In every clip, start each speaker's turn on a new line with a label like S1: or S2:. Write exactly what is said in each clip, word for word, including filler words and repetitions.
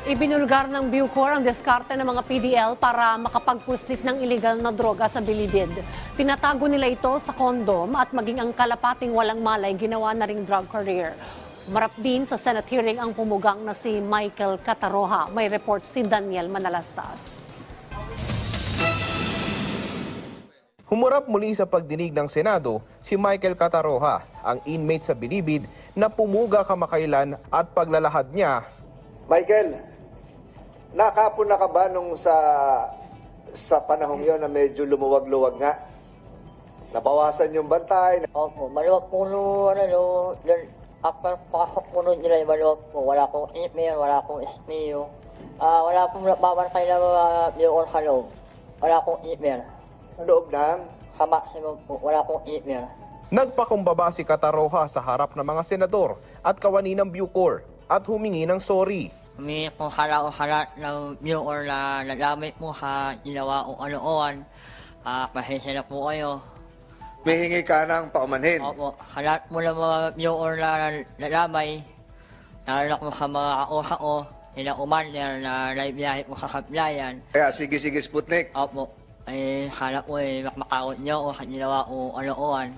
S1: Ibinulgar ng Bucor ang diskarte ng mga P D L para makapagpuslit ng iligal na droga sa Bilibid. Pinatago nila ito sa kondom at maging ang kalapating walang malay ginawa na ring drug career. Marap din sa Senate hearing ang pumugang na si Michael Cataroha. May report si Daniel Manalastas.
S2: Humurap muli sa pagdinig ng Senado si Michael Cataroha, ang inmate sa Bilibid na pumuga kamakailan at paglalahad niya.
S3: Michael, nakapon na ka ba nung sa sa panahong yon na medyo lumuwag-luwag nga? Nabawasan yung bantay?
S4: Opo, maluwag po no, ano no, dun, after pasok po nun nila yung maluwag po, wala akong email, wala akong S P U, ah wala akong babantay na mga Bucor sa loob, wala akong email.
S3: Sa loob ng?
S4: Sa maximum po, wala akong email.
S2: Nagpakumbaba si Cataroha sa harap ng mga senador at kawani ng Bucor at humingi ng sorry.
S4: Humingi po hala o hala ng Bucor na nagamit po sa ginawa o ano-oan, ah pasensya na po kayo.
S3: May hingi ka ng paumanhin.
S4: Opo, halat mo ng mga Bucor na nalamay, lalo na po sa mga kausa ko, sila umander na naibiyahe po sa Sablayan.
S3: Kaya sige-sige Sputnik.
S4: Opo, ay hala ko eh, makmakawat niyo o sa ginawa o ano-oan.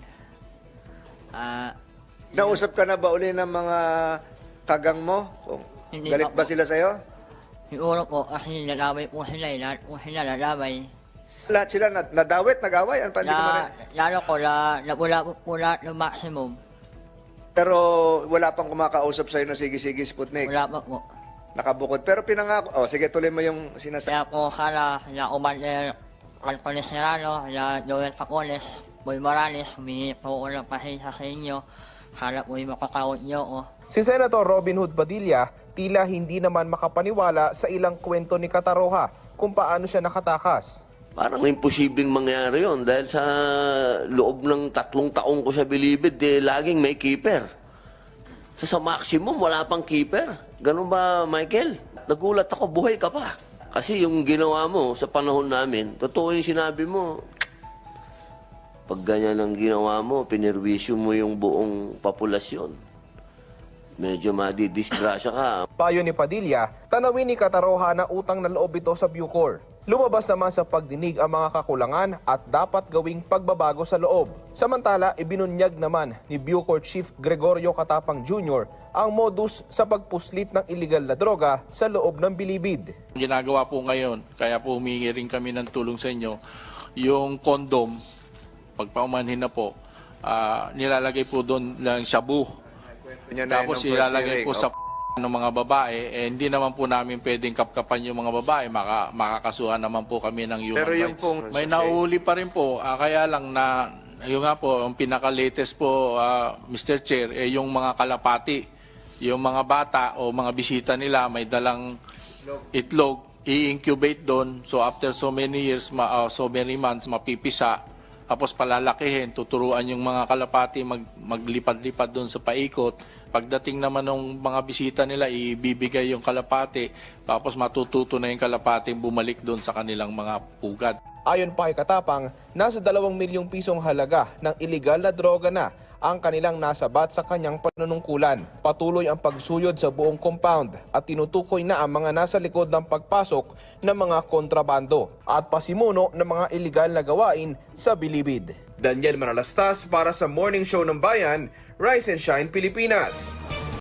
S4: Ah,
S3: Nausap ka na ba uli ng mga kagang mo? Kung
S4: Hindi
S3: galit
S4: pa
S3: ba
S4: po.
S3: sila sa'yo?
S4: siguro po kasi nalamay po sila eh, lahat po sila nalamay.
S3: Lahat sila nad- nadawit, nag-away? Ano pa, hindi ko
S4: Na,
S3: marin-
S4: lalo ko na nagula po po lahat ng maximum.
S3: Pero wala pang kumakausap sa'yo na sige-sige Sputnik.
S4: Wala pa po.
S3: Nakabukod. Pero pinangako. Oh, sige, tuloy mo yung sinasabi.
S4: Kaya po sana na umander Anthony Serrano, na Joel Pacones, Boy Morales, humingi po ko ng pasensya sa inyo. Sana po yung makakawat niyo o.
S2: Si Senator Robin Hood Padilla tila hindi naman makapaniwala sa ilang kwento ni Cataroha kung paano siya nakatakas.
S5: Parang imposibleng mangyari yon dahil sa loob ng tatlong taong ko sa Bilibid, eh, laging may keeper. Sa, sa maximum, wala pang keeper. Ganun ba, Michael? Nagulat ako, buhay ka pa. Kasi yung ginawa mo sa panahon namin, totoo yung sinabi mo. Pag ganyan ang ginawa mo, pinirwisyo mo yung buong populasyon. Medyo madidisgrasya ka.
S2: Payo ni Padilla, tanawin ni Cataroha na utang na loob ito sa Bucor. Lumabas naman sa pagdinig ang mga kakulangan at dapat gawing pagbabago sa loob. Samantala, ibinunyag naman ni Bucor Chief Gregorio Catapang Junior ang modus sa pagpuslit ng iligal na droga sa loob ng Bilibid.
S6: Ginagawa po ngayon, kaya po humingi rin kami ng tulong sa inyo, yung kondom, pagpaumanhin na po, ah, nilalagay po doon ng shabu.
S3: Yan na
S6: Tapos
S3: yun ang first
S6: ilalagay
S3: hearing.
S6: po sa ng mga babae, eh, hindi naman po namin pwedeng kapkapan yung mga babae, Maka, makakasuhan naman po kami ng human
S3: Pero yung
S6: rights.
S3: pong-
S6: May nauuli pa rin po, ah, kaya lang na, yung nga po, ang pinaka-latest po, ah, Mister Chair, eh, yung mga kalapati, yung mga bata o mga bisita nila may dalang itlog, i-incubate doon, so after so many years, ma, ah, so many months, mapipisa, tapos palalakihin, tuturuan yung mga kalapati mag, maglipad-lipad doon sa paikot. Pagdating naman ng mga bisita nila, ibibigay yung kalapati, tapos matututo na yung kalapati bumalik doon sa kanilang mga pugad.
S2: Ayon pa kay Katapang, nasa dalawang milyong pisong halaga ng iligal na droga na ang kanilang nasabat sa kanyang panunungkulan. Patuloy ang pagsuyod sa buong compound at tinutukoy na ang mga nasa likod ng pagpasok ng mga kontrabando at pasimuno ng mga iligal na gawain sa Bilibid. Daniel Manalastas para sa Morning Show ng Bayan, Rise and Shine Pilipinas.